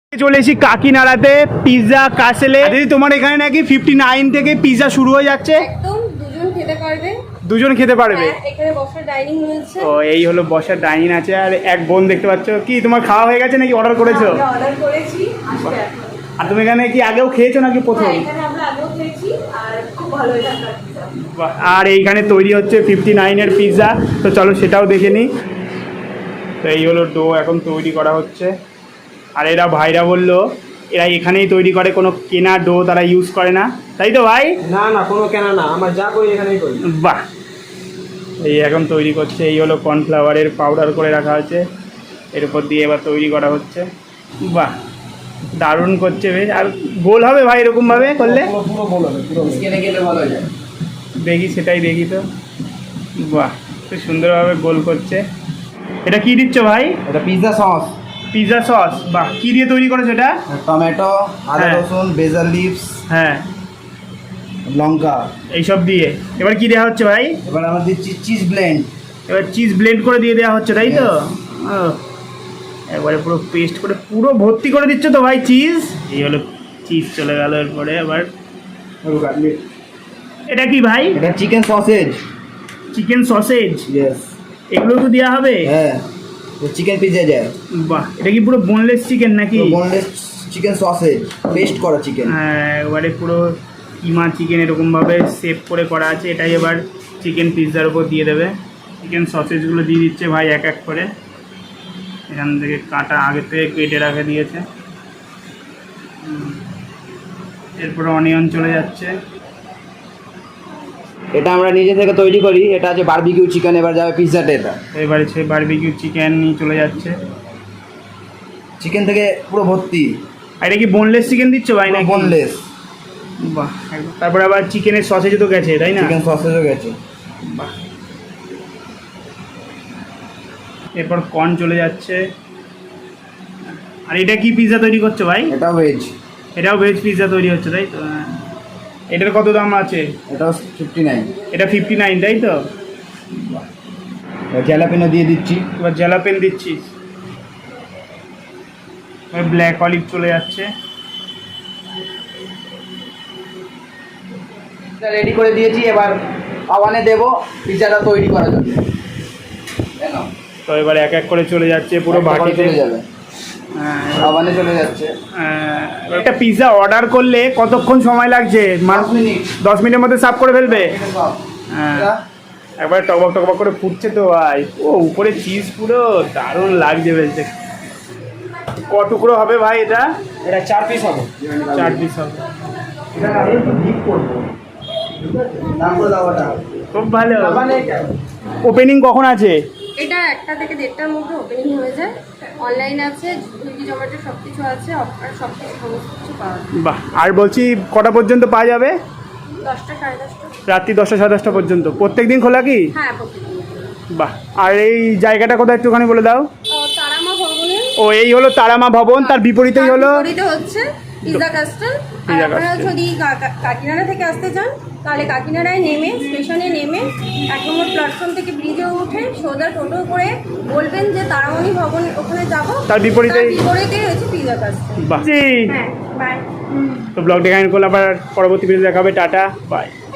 চলে এসেছি কাকিনাড়াতে পিৎজা কাসেলে। দিদি তোমার এখানে নাকি 59 থেকে পিৎজা শুরু হয়ে যাচ্ছে। একদম দুজন খেতে পারবে। এখানে বসার ডাইনিং রয়েছে। ও এই হলো বসার ডাইনিং আছে। আর এক বোন দেখতে পাচ্ছ, কি তোমার খাওয়া হয়ে গেছে নাকি অর্ডার করেছো? আমরা অর্ডার করেছি, আসবে এখন। আর তুমি এখানে কি আগেও খেয়েছো নাকি প্রথম? হ্যাঁ, এখানে আমরা আগেও খেয়েছি আর খুব ভালো এখানকার পিৎজা। আর এইখানে তৈরি হচ্ছে 59 এর পিৎজা, তো চলো সেটাও দেখে নিই। তো এই হলো ডো এখন তৈরি করা হচ্ছে। আর এরা ভাইরা বললো এরা এখানেই তৈরি করে, কোনো কেনা ডো তারা ইউজ করে না, তাই তো ভাই? না না, কোনো কেনা না, আমরা যা করি এখানেই করি। বাহ, এই এখন তৈরি করছে। এই হলো কর্নফ্লাওয়ারের পাউডার করে রাখা আছে, এর উপর দিয়ে এবার তৈরি করা হচ্ছে। বাহ, দারুণ করছে বেশ। আর গোল হবে ভাই এরকমভাবে করলে? পুরো গোল হবে, পুরো স্কেলে গেলে ভালো হয়ে যায়। দেখি, সেটাই দেখি তো। বাহ, খুব সুন্দরভাবে গোল করছে। এটা কি দিচ্ছ ভাই? এটা পিৎজা সস। পিৎজা সস, বাহ। কি দিয়ে তৈরি করেছো এটা? টমেটো, আদা হ্যাঁ। রসুন, বেজাল লিভস, হ্যাঁ, লঙ্কা, এইসব দিয়ে এবার কি দেওয়া হচ্ছে ভাই? এবার আমরা দিচ্ছি চিজ ব্লেন্ড। এবার চিজ ব্লেন্ড করে দিয়ে দেওয়া হচ্ছে, তাই তো? ও, একবারে পুরো পেস্ট করে পুরো ভর্তি করে দিচ্ছ তো ভাই চিজ। এই হলো চিজ চলে গেল। এরপরে আবার এটা কি ভাই? এটা chicken sausage. Chicken sausage, yes. এগুলো তো দেওয়া হবে? হ্যাঁ, চিকেন পিৎজা যায়। বাহ, এটা কি পুরো বোনলেস চিকেন নাকি? বোনলেস চিকেন সসেজ, পেস্ট করা চিকেন। হ্যাঁ, একবারে পুরো কিমা চিকেন এরকমভাবে সেভ করে করা আছে। এটাই এবার চিকেন পিৎজার উপর দিয়ে দেবে। চিকেন সসেজগুলো দিয়ে দিচ্ছে ভাই এক এক করে। এখান থেকে কাটা আগে থেকে কেটে রাখে দিয়েছে। এরপরে অনিয়ন চলে যাচ্ছে। এটা আমরা নিজে থেকে তৈরি করি। এটা আছে বারবিকিউ চিকেন, এবার যাবে পিৎজাতে। এটা এবারে সেই বারবিকিউ চিকেন নিয়ে চলে যাচ্ছে। চিকেন থেকে পুরো ভর্তি। আর এটা কি বোনলেস চিকেন দিচ্ছ ভাই নাকি? বোনলেস। বাহ, তারপরে আবার চিকেনের সসেজও তো গেছে, তাই না? চিকেন সসেজও গেছে। বাহ, এরপর কর্ন চলে যাচ্ছে। আর এটা কি পিৎজা তৈরি করছো ভাই? এটা ভেজ। এটাও ভেজ পিৎজা তৈরি হচ্ছে, তাই তো? হ্যাঁ। এটার কত দাম আছে? এটাও 59। এটা 59, তাই তো? জ্যালাপিনো দিয়ে দিচ্ছি। এবার জ্যালাপেন দিচ্ছিস। ব্ল্যাক অলিভ চলে যাচ্ছে। রেডি করে দিয়েছি, এবার আওয়ানে দেবো পিৎজাটা তৈরি করার জন্য। তো এবার এক এক করে চলে যাচ্ছে পুরো বাটিতে। চলে যাবে, আওয়ানে চলে যাচ্ছে। একটা পিৎজা অর্ডার করলে কতক্ষণ সময় লাগছে? 10 মিনিট। 10 মিনিটের মধ্যে সার্ভ করে ফেলবে? হ্যাঁ, এটা একবার টকবক টকবক করে ফুটছে তো ভাই। ও উপরে চিজ পুরো দারুণ লাগছে বেশ দেখতে। ক টুকরো হবে ভাই এটা? এটা 4 পিস হবে। 4 পিস হবে। এটা আমি একটু ডিপ করব। তারপরে দাওয়াটা খুব ভালো। মানে ওপেনিং কখন আছে? এটা 1টা থেকে 1:30টার মধ্যে ওপেনিং হয়ে যায়। অনলাইন আছে, সুইগি জোম্যাটো সব কিছু আছে, আর সব কিছু সমস্ত কিছু পাওয়া যায়। বাহ, আর বলছি কটা পর্যন্ত পাওয়া যাবে? 10টা, 10:30টা। রাত্রি 10টা 10:30 পর্যন্ত প্রত্যেক দিন খোলা কি? হ্যাঁ, প্রতিদিন। বাহ, আর এই জায়গাটা কোথায় একটুখানি বলে দাও। তারামা ভবনের ও এই হলো তারামা ভবন, তার বিপরীতেই হলো বিপরীতে হচ্ছে পিৎজা কাস্টল। আর পিৎজা আপনারা কাস্টল। যদি কাকিনাড়া থেকে আসতে চান তাহলে কাকিনাড়ায় নেমে, স্টেশনে নেমে 1 নম্বর প্ল্যাটফর্ম থেকে ব্রিজে উঠে সোজা টোটো করে বলবেন যে তারামণি ভবন, ওখানে যাবো। তার বিপরীতেই হচ্ছে পিৎজা কাস্টল। বাহ। হ্যাঁ, বাই। তো ব্লগটা এখানে করলে আবার পরবর্তী ভিডিও দেখাবে। Tata, by.